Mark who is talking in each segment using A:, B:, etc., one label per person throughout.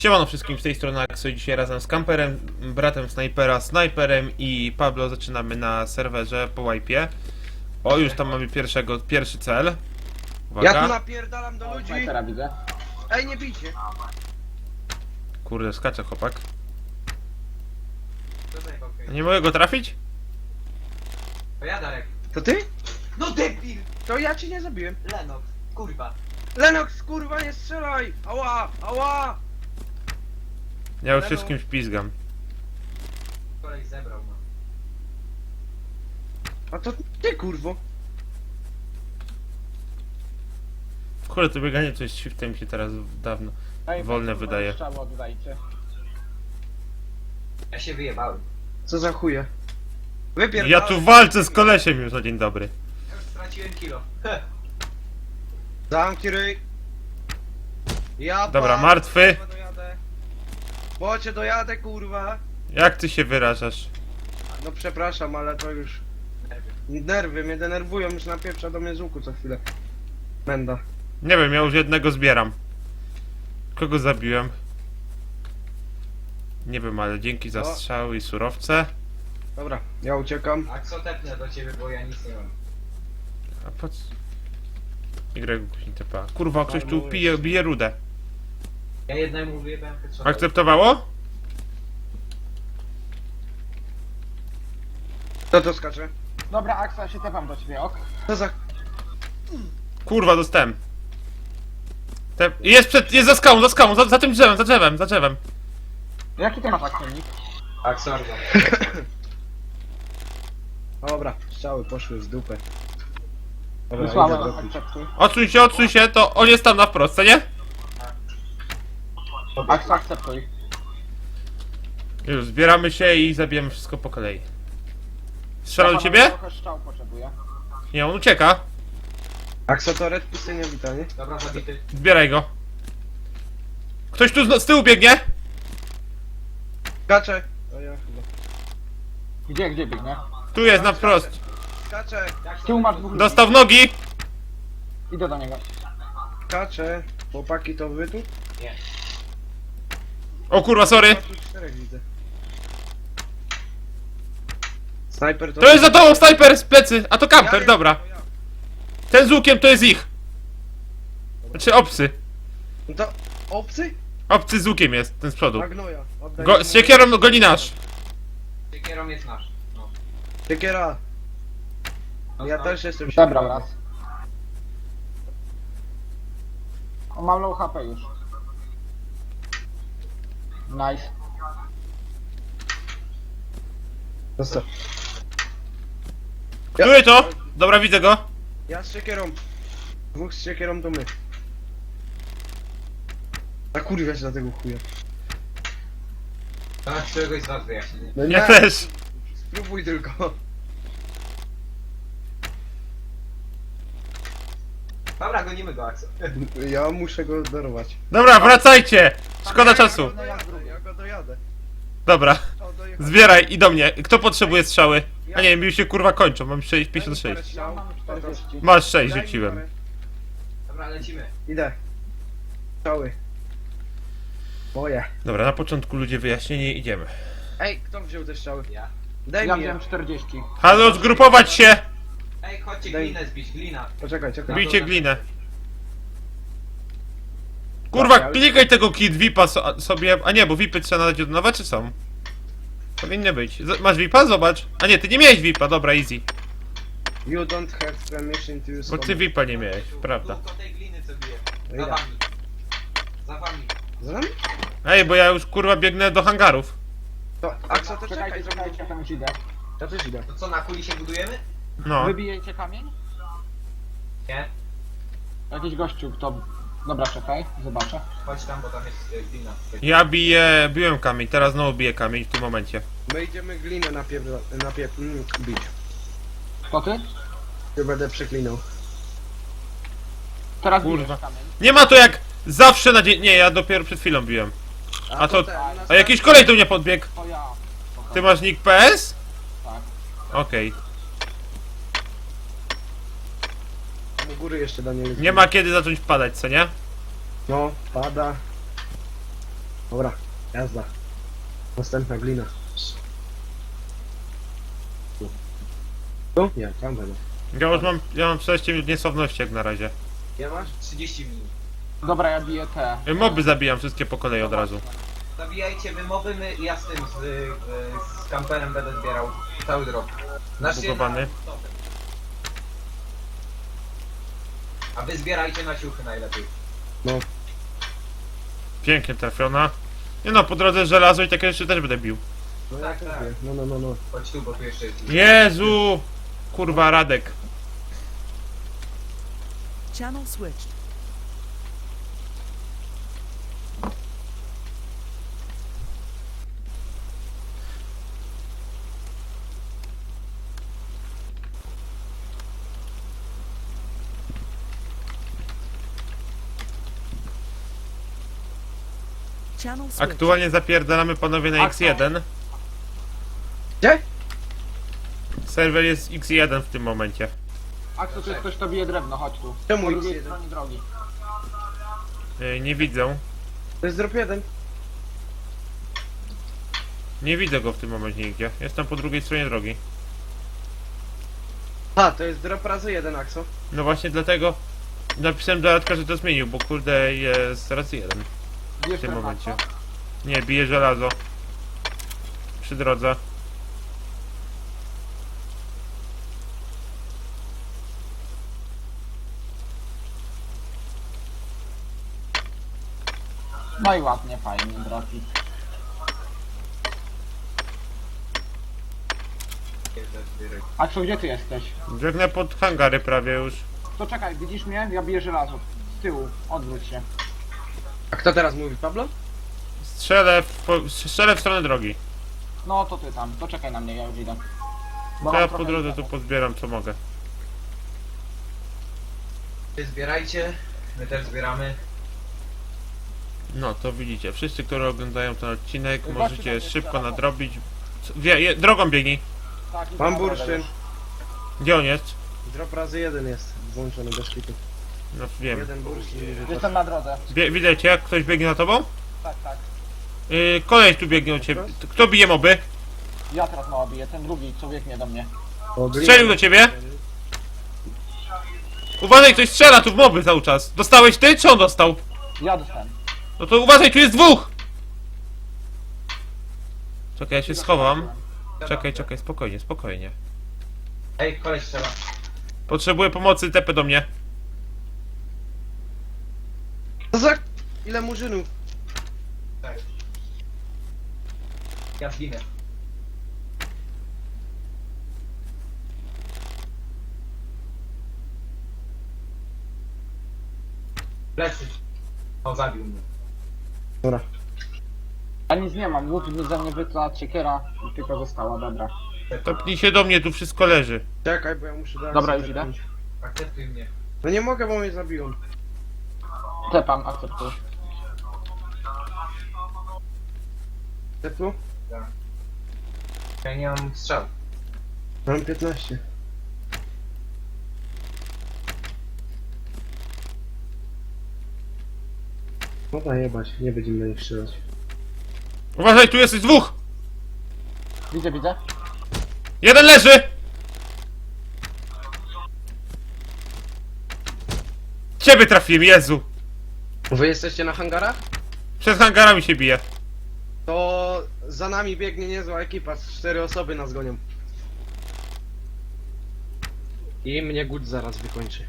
A: Siemano wszystkim, z tej strony Axo. Dzisiaj razem z Kamperem, bratem Snajpera, Snajperem i Pablo zaczynamy na serwerze po wipe'ie. O, już tam mamy pierwszy cel. Uwaga.
B: Ja tu napierdalam do ludzi.
C: Snajpera widzę.
B: Ej, nie bijcie.
A: Kurde, skacze chłopak. Nie mogę go trafić?
D: To ja, Darek.
B: To ty?
D: No debil!
B: To ja ci nie zabiłem.
D: Lennox, kurwa.
B: Lenox, kurwa, nie strzelaj! Ała, ała!
A: Ja już się z kimś pizgam.
D: Kolej zebrał, no.
B: A to ty, kurwo.
A: Kurde, to bieganie coś shiftem mi się teraz dawno wolne wydaje.
C: Strzał oddajcie.
D: Ja się wyjebałem.
B: Co za chuje? Wypierdalaj.
A: Ja tu walczę z kolesiem już na dzień dobry.
D: Ja już straciłem kilo.
B: Zamknij ryj. Ja
A: Dobra, martwy.
B: kurwa, dojadę. Bo cię dojadę, kurwa.
A: Jak ty się wyrażasz?
B: No przepraszam, ale to już... Nerwy mnie denerwują, już napieprza do mnie z łuku co chwilę. Menda.
A: Nie wiem, ja już jednego zbieram. Kogo zabiłem? Nie wiem, ale dzięki za
B: O.
A: strzały i surowce.
B: Dobra, ja uciekam.
D: A co tepnę do ciebie, bo ja nic nie mam.
A: A po co? Y kuźni TPA. Kurwa, ktoś tu bije rudę.
D: Ja jednemu wyjebałem headshot.
A: Akceptowało?
B: Kto to skacze?
C: Dobra, Aksa, się tepam do ciebie, ok?
B: Co za...
A: Kurwa, dostałem. Jest za skałą, za tym drzewem, za drzewem.
C: Jaki ty masz akcenik?
D: Aksorgo.
B: Dobra, strzały poszły w dupę. Dobra, idę
C: Wysłałem
B: dopić.
C: akceptuj.
A: Odsuń się, to on jest tam na wprost, co nie?
C: Aksa, akceptuj.
A: Już, zbieramy się i zabijemy wszystko po kolei. Strzela do ciebie?
C: Trochę strzał potrzebuję.
A: Nie, on ucieka.
B: Aksotoret pustynia wita, nie?
D: Dobra, zabity.
A: Zbieraj go. Ktoś tu z tyłu biegnie?
B: Skacze! O ja chyba.
C: Gdzie biegnie?
A: Tu jest, na wprost.
B: Skacze!
C: Z tyłu masz dwóch ludzi.
A: Dostał w nogi.
C: Idę do niego.
B: Skacze! Chłopaki, to wy tu?
D: Nie.
A: O kurwa, sorry.
B: Ja tu czterech widzę. Snajper to...
A: To jest za tobą snajper z plecy, a to kamper,
B: Ja
A: dobra.
B: to ja.
A: Ten z łukiem to jest ich. Znaczy obcy.
B: No to... Obcy?
A: Obcy z łukiem jest, ten z przodu.
B: Magnoja. Oddaj
A: Go,
B: mi
A: z siekierą goni nasz.
D: Siekierą jest nasz. No.
B: Siekiera. Ja
D: No,
B: też jestem
C: Zebrał
B: siekierą.
C: raz. On ma low HP już. Nice.
B: Zostaw.
A: Który to? Dobra, widzę go.
B: Ja z siekierą. Dwóch z siekierą to my. A kurwa się na tego chuja.
D: To masz któregoś z was wyjaśnienie.
B: No
A: Ja też.
B: Spróbuj tylko.
D: Dobra, gonimy go, Axel.
B: Ja muszę go dorwać.
A: Dobra, wracajcie. Szkoda czasu.
B: Ja go dojadę.
A: Dobra,
B: O, dojechałem.
A: zbieraj i do mnie. Kto potrzebuje strzały? A nie, mi już się kurwa kończą, mam 56.
C: Ja mam 40.
A: Masz 6, rzuciłem.
D: Dobra, lecimy.
B: Idę. Strzały. Moje.
A: Dobra, na początku ludzie wyjaśnienie, idziemy.
B: Ej, kto wziął te strzały?
D: Ja.
B: Daj
C: Ja
B: mi je.
C: wziąłem 40.
A: Halo, zgrupować się!
D: Ej, chodźcie
B: Daj.
D: glinę zbić, glina.
B: Poczekaj, czekaj.
A: Bijcie glinę. Kurwa, klikaj tego kit VIPa sobie. A nie, bo VIPy trzeba nadać od nowe, czy są? Powinny być. Masz VIPa? Zobacz. A nie, ty nie miałeś VIPa, dobra, easy.
B: You don't have permission to use
A: Bo ty VIPa nie miałeś, prawda.
D: Długo tej gliny co bije.
B: Idę.
D: Za wami. Za wami.
B: Za nami?
A: Ej, bo ja już kurwa biegnę do hangarów.
B: To, Akso, to czekaj,
C: Czekajcie, ja tam już idę.
B: Ja też idę.
D: To co, na kuli się budujemy?
A: No.
C: Wybijecie kamień?
D: Nie.
C: Jakiś gościu, kto... Dobra, czekaj, zobaczę.
D: Chodź tam, bo tam jest glina.
A: Ja biłem kamień, teraz znowu biję kamień w tym momencie.
B: My idziemy glinę bić.
C: To ty?
B: Ja będę przeklinał.
C: Teraz
A: Kurwa.
C: bijesz kamień.
A: Nie ma to jak zawsze na dzień. Nie, ja dopiero przed chwilą biłem. A to.
B: ten, u nas
A: A jakiś kolej tu nie podbiegł.
C: To ja.
A: Ty masz nick PS?
C: Tak.
A: Okej.
B: tam u góry jeszcze Daniel.
A: Nie ma kiedy zacząć padać, co nie?
B: No, pada. Dobra, jazda. Następna glina. Tu? Nie, tam będę.
A: Ja mam 16 minut niesławności jak na razie.
B: Ja masz?
D: 30 minut.
C: Dobra, ja biję te.
A: Moby zabijam wszystkie po kolei od razu.
D: Zabijajcie wy moby, ja z tym, z kamperem będę zbierał cały drop. Znaczy,
A: Zbugowany.
D: a wy zbierajcie na ciuchy najlepiej.
B: No.
A: Pięknie trafiona. Nie no, po drodze żelazo i takie jeszcze też będę bił.
B: No ja
D: Tak,
B: też
D: tak.
B: wiem. No.
D: Chodź tu, bo tu jeszcze jest.
A: Jezu! Kurwa, Radek.
E: Channel switched. Channel switched.
A: Aktualnie zapierdalamy panowie na X1.
B: Gdzie?
A: Serwer jest X1 w tym momencie.
C: Aksu, tu jest ktoś, kto bije drewno, chodź tu.
B: Czemu
C: Po drugiej
B: X1?
C: stronie drogi.
A: Nie widzę.
B: To jest drop 1.
A: Nie widzę go w tym momencie nigdzie. Jestem po drugiej stronie drogi.
B: A, to jest drop razy 1, Axo.
A: No właśnie dlatego napisałem do Radka, że to zmienił, bo kurde jest razy 1
C: Bijesz
A: w tym
C: drewno,
A: momencie.
C: Aksu?
A: Nie, bije żelazo. Przy drodze.
C: No i ładnie, fajnie, drogi. Aksu, gdzie ty jesteś?
A: Biegnę pod hangary prawie już.
C: To czekaj, widzisz mnie? Ja biję żelazo. Z tyłu, odwróć się.
B: A kto teraz mówi, Pablo?
A: Strzelę w stronę drogi.
C: No to ty tam, to czekaj na mnie, ja już idę. Bo
A: To
C: mam
A: ja
C: trochę
A: po drodze tu
C: itemów.
A: pozbieram co mogę.
D: Wy zbierajcie, my też zbieramy.
A: No to widzicie, wszyscy, którzy oglądają ten odcinek,
C: Zobaczcie,
A: możecie
C: tam jest
A: szybko
C: telefon.
A: nadrobić. Drogą biegnij.
C: Tak, idę
B: Mam
C: na drogę
B: bursztyn.
C: już.
A: Gdzie on jest?
B: Drop razy 1 jest włączony bez kitu.
A: No wiem.
B: Jeden bursztyn.
C: Jestem na drodze.
A: Widzę cię, jak ktoś biegnie za tobą?
C: Tak, tak.
A: Koleś tu biegnie u ciebie. Kto bije moby?
C: Ja teraz mała biję, ten drugi, co biegnie do mnie.
A: Strzelił do ciebie? Uważaj, ktoś strzela tu w moby cały czas. Dostałeś ty, czy on dostał?
C: Ja dostałem.
A: No to uważaj, tu jest dwóch! Czekaj, ja się schowam. Czekaj, spokojnie.
D: Ej, koleś strzela.
A: Potrzebuję pomocy, tepę do mnie.
B: Co za... Ile murzynów?
D: Tak. Ja zginę. Plecy. O, zabił mnie.
B: Dobra.
C: Ja nic nie mam, łuk ze mnie wytla, siekiera i tylko została, dobra.
A: Tepnij się do mnie, tu wszystko leży.
B: Czekaj, bo ja muszę do
C: Dobra,
B: Axo
C: już idę.
B: tepnąć.
D: Akceptuj mnie.
B: No nie mogę, bo mnie zabiją.
C: Tepam, akceptuj.
B: Te tu?
D: Ja nie mam strzał.
B: Mam 15. Dobra, jebać, nie będziemy na nich strzelać.
A: Uważaj, tu jest dwóch!
C: Widzę.
A: Jeden leży! Ciebie trafiłem, Jezu!
B: Wy jesteście na hangarach?
A: Przed hangarami się bije.
B: To za nami biegnie niezła ekipa, 4 osoby nas gonią. I mnie Gut zaraz wykończy.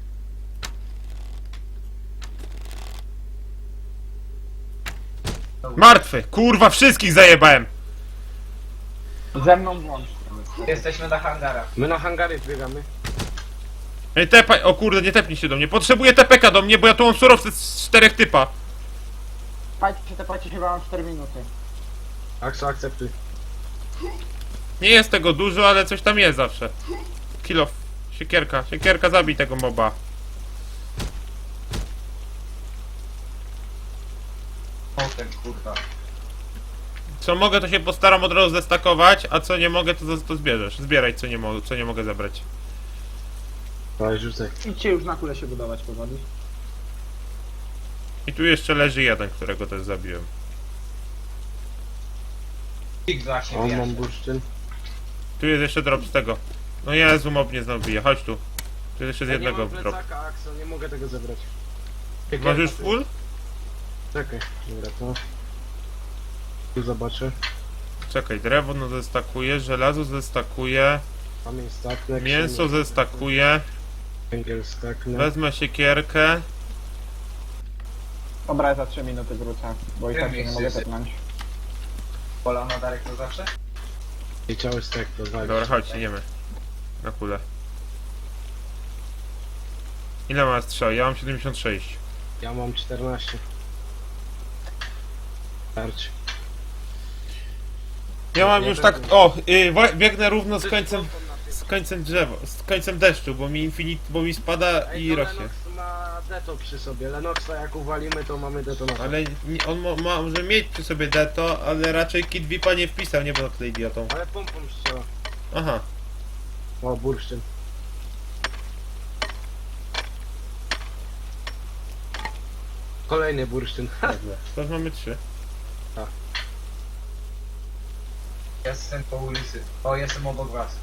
A: Martwy! Kurwa, wszystkich zajebałem!
C: Ze mną włącz.
D: Jesteśmy na hangarach.
B: My na hangary biegamy.
A: Ej, tepaj, o kurde, nie tepnij się do mnie. Potrzebuję TPK do mnie, bo ja tu mam surowce z 4 typa.
C: Tepajcie, chyba mam 4 minuty.
B: Axo, akceptuj.
A: Nie jest tego dużo, ale coś tam jest zawsze. Kilo. Siekierka, zabij tego moba.
D: O, ten kurwa.
A: Co mogę, to się postaram od razu zestakować, a co nie mogę, to zbierzesz. Zbieraj, co nie mogę zabrać.
B: Daj, rzucaj.
C: Idźcie już na kulę się budować powoli.
A: I tu jeszcze leży jeden, którego też zabiłem.
D: Pik właśnie
B: O, mam
D: wyjaśnia.
B: bursztyn.
A: Tu jest jeszcze drop z tego. No Jezu, mob mnie znowu bije, chodź tu. Tu jest jeszcze z
B: Ja nie
A: jednego
B: mam
A: drop.
B: plecaka, Axel, nie mogę tego zebrać.
A: Masz już full?
B: Czekaj, dobra, to... Tu zobaczę.
A: Czekaj, drewno zestakuję, żelazo zestakuję,
B: Kamień staklek.
A: mięso zestakuję,
B: Węgiel stakle.
A: wezmę siekierkę.
C: Dobra, ja za 3 minuty wrócę, bo i tak się nie mogę
D: Jest.
C: tepnąć.
D: Pola na Darek to zawsze?
B: I cały stek to walić.
A: Dobra, chodź, idziemy. Na kulę. Ile ma strzał? Ja mam 76.
B: Ja mam 14. Starczy.
A: Ja mam
B: Ja
A: już
B: też
A: tak,
B: mam.
A: o, biegnę równo z końcem drzewa, z końcem deszczu, bo bo mi spada i rośnie.
B: Lenox ma deto przy sobie. Lenoxa jak uwalimy, to mamy detonator.
A: Ale on może mieć przy sobie deto, ale raczej Kid Vipa nie wpisał, nie będę tutaj idiotą.
B: Ale pompą strzela.
A: Aha,
B: O, bursztyn. Kolejny bursztyn.
A: to już mamy 3.
D: Jestem po ulicy. O, jestem obok was.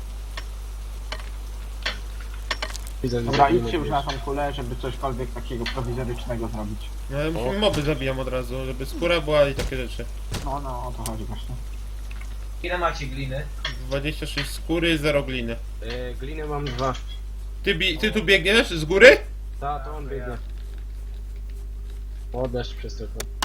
B: Widzę,
C: Dobra,
B: że
C: idźcie już na tą kulę, żeby cośkolwiek takiego prowizorycznego zrobić.
A: No ale musimy moby zabijam od razu, żeby skóra była i takie rzeczy.
C: No, o to chodzi właśnie.
D: Ile macie gliny?
A: 26 skóry, 0 gliny.
B: Gliny mam 2.
A: Ty tu biegniesz z góry?
B: Ta, to on biegnie. O, deszcz przez to.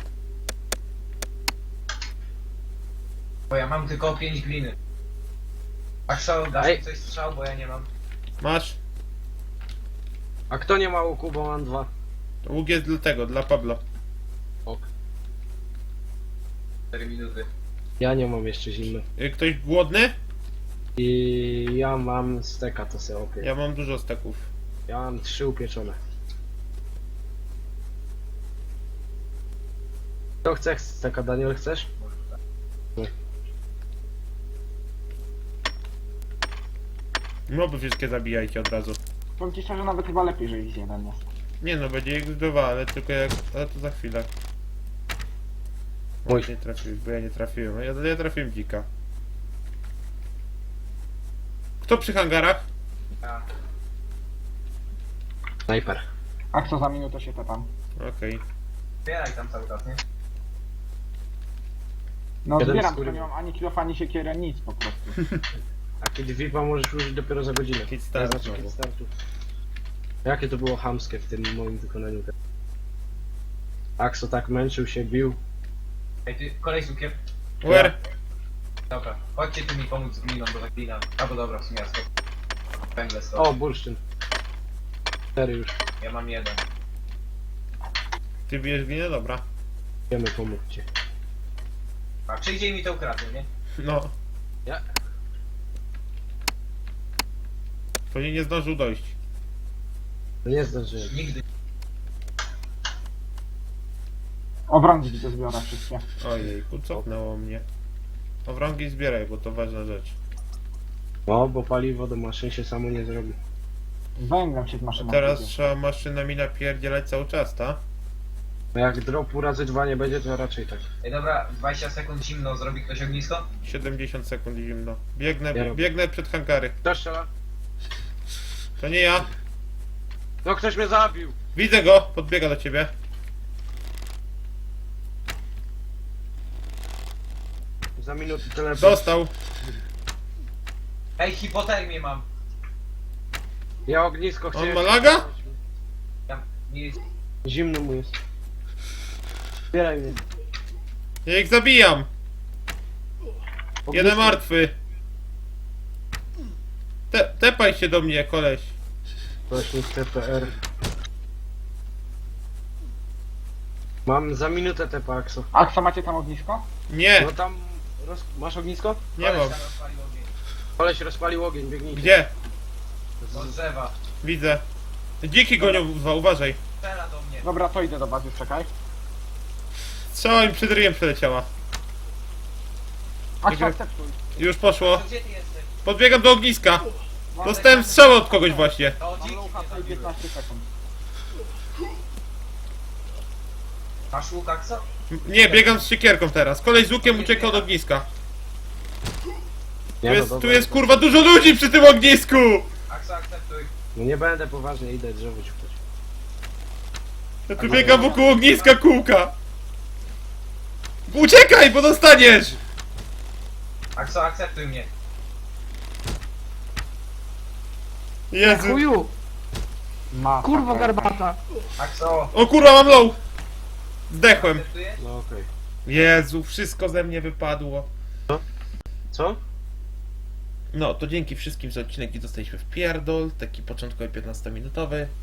D: Bo ja mam tylko 5 gliny. A strzał, dasz
B: Ej.
D: mi coś strzał, bo ja nie mam.
A: Masz?
B: A kto nie ma łuku, bo mam 2.
A: To łuk jest dla tego, dla Pablo.
B: Ok.
D: 4 minuty.
B: Ja nie mam jeszcze zimno.
A: Ktoś głodny?
B: I ja mam steka, to sobie opie.
A: Ja mam dużo steków.
B: Ja mam 3 upieczone. Kto chce steka? Daniel, chcesz?
A: Moby wszystkie zabijajcie od razu.
C: Powiem ci szczerze, nawet chyba lepiej, że ich jeden jest.
A: Nie no, będzie ich 2, ale tylko jak... ale to za chwilę.
B: Oj.
A: Nie trafiłeś, bo ja nie trafiłem. Ja trafiłem dzika. Kto przy hangarach?
D: Ja.
B: Snajper.
C: A co za minutę się tepam?
A: Okej.
D: Zbieraj tam cały czas, nie?
C: No
B: Jeden
C: zbieram,
B: skóry.
C: tylko nie mam ani kilof, ani siekierę, nic po prostu.
B: A kiedy VIPa możesz użyć dopiero za godzinę.
A: Kit start
B: Znaczy
A: znowu.
B: kit startu. Jakie to było chamskie w tym moim wykonaniu. Axo tak męczył się, bił.
D: Ej, ty, kolej z łukiem.
A: Where?
D: Dobra, chodźcie tu mi pomóc z gliną, bo ta glina... Albo dobra, w sumie ja stop. Węgle stop.
B: O, bursztyn. 4 już.
D: Ja mam 1.
A: Ty bijesz winę? Dobra.
B: Wiemy, pomóc ci.
D: A przyjdzie mi to ukradnie, nie?
A: No.
B: Ja.
A: Pewnie nie zdążył dojść.
B: No nie zdążyłem.
D: Nigdy.
C: Obrączki to zbiorę wszystkie.
A: Ojejku, cofnęło mnie. Owrągi zbieraj, bo to ważna rzecz.
B: No, bo paliwo do maszyn się samo nie zrobi.
C: Węglem się z maszyną
A: Teraz
C: jedzie.
A: trzeba maszynami napierdzielać cały czas, ta?
B: No jak dropu razy 2 nie będzie, to raczej tak.
D: Ej, dobra, 20 sekund zimno, zrobi ktoś ognisko?
A: 70 sekund zimno. Biegnę,
B: Ja robię.
A: biegnę przed hangary.
B: Kto strzela?
A: To nie ja.
B: No ktoś mnie zabił!
A: Widzę go, podbiega do ciebie.
B: Za minutę telefon.
A: Dostał.
D: Ej, hipotermię mam.
B: Ja ognisko chcę.
A: On ma laga?
D: Ja, nie,
B: Zimno mu jest. Zbieraj mnie.
A: Ja ich zabijam. Jeden martwy. Tepaj się do mnie, koleś.
B: Właśnie TPR. Mam za minutę te Paxo.
C: A co, macie tam ognisko?
A: Nie,
B: No tam... Masz ognisko?
A: nie mam.
D: koleś tam rozpalił ogień.
B: Koleś rozpalił ogień, biegnijcie.
A: Gdzie?
D: Od drzewa.
A: Widzę. Dziki gonią, uważaj.
D: Strzela do mnie.
C: Dobra, to idę do bazy, czekaj.
A: Strzała mi przed ryjem przeleciała.
C: A
A: Dobra.
C: akceptuj.
A: Już poszło.
D: To gdzie ty jesteś?
A: Podbiegam do ogniska. Dostałem strzałę od kogoś właśnie.
D: To
C: Mam
D: dziki
C: low
D: mnie
C: HP i
D: zabiły.
C: 15 sekund.
D: Masz łuk, co?
A: Nie, biegam z siekierką teraz. Koleś z łukiem ucieka od ogniska. Tu jest kurwa dużo ludzi przy tym ognisku!
D: Aksa, akceptuj.
B: No nie będę poważnie, idę drzewo ciukać.
A: Ja tu biegam wokół ogniska kółka! Uciekaj, bo dostaniesz!
D: Aksa, akceptuj mnie.
A: Jezu.
F: Chuju,
C: Masakra.
F: kurwa garbata.
D: Akso,
A: O kurwa, mam low! Zdechłem.
D: akceptujesz?
B: No okej.
A: Jezu, wszystko ze mnie wypadło.
B: Co?
A: No, to dzięki wszystkim za odcinek i dostaliśmy w pierdol, taki początkowy 15-minutowy.